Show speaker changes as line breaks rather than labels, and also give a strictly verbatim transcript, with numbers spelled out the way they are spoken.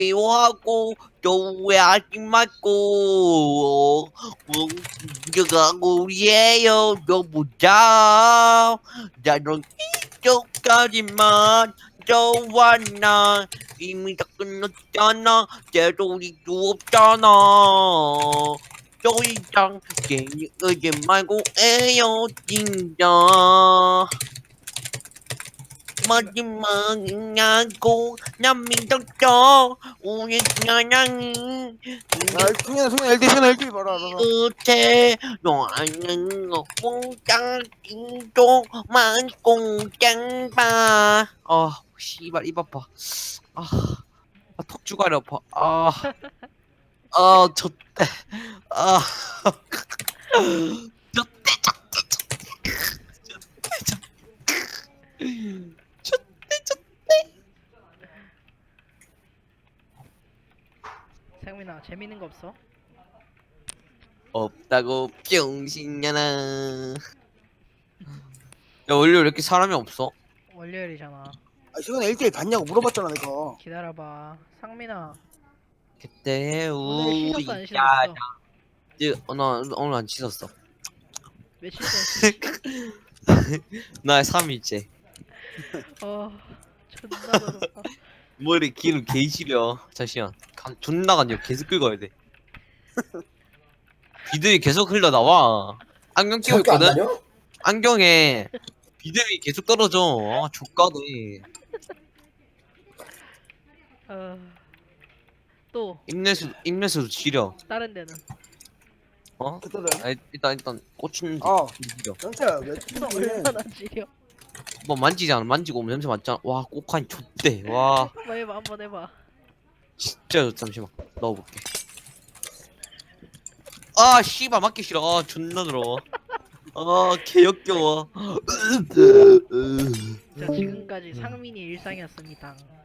미워하고 또 후회하지 말고 가고리에요 너무 다 나는 이쪽까지만 좋아 난 이미 다 끝났잖아 되돌이도 없잖아 더 이상 괜히 의지 말고 헤어진다 마지막이냐고 난 믿었어 우리 사랑이
야, 승현아, 승현아, 엘디, 승현아, 엘디 봐라, 봐라.
끝에 너는 공장도 많고 짱봐 아 씨발 입 아파 아, 아 턱주가리 아파 아아 젖대 아 젖대 젖대 젖대
상민아 재밌는 거 없어?
없다고 병신년아 야 원래 왜 이렇게 사람이 없어?
월요일이잖아.
아, 승현아, 엘디 봤냐고 물어봤잖아, 내가.
기다려봐. 상민아
그때
오늘 씻었어 안
우리
씻었어?
어, 나 오늘 안 씻었어
며칠 전 씻.
나 삼 일째
어 존나 더럽다.
머리 기름 개 시려 잠시만 간, 존나 간요 계속 긁어야 돼 비듬이 계속 흘러나와 안경 끼고
학교 안
있거든?
다녀?
안경에 비듬이 계속 떨어져 아 족가네
어... 또
입냄새 입냄새도 지려
다른 데는
어?
그때는.
아, 일단 일단 꽂히는 데
어,
지려
영태야, 왜
또
튀기니?
얼마나 지려?
뭐 만지잖아 만지고 오면 냄새 맡잖아 와 꼬카니 좆대 와
한번 해봐 한번 해봐.
진짜 잠시만 넣어볼게 아 씨발 맞기 싫어 아 존나 더러워 아 개역겨워
자 지금까지 상민이 일상이었습니다.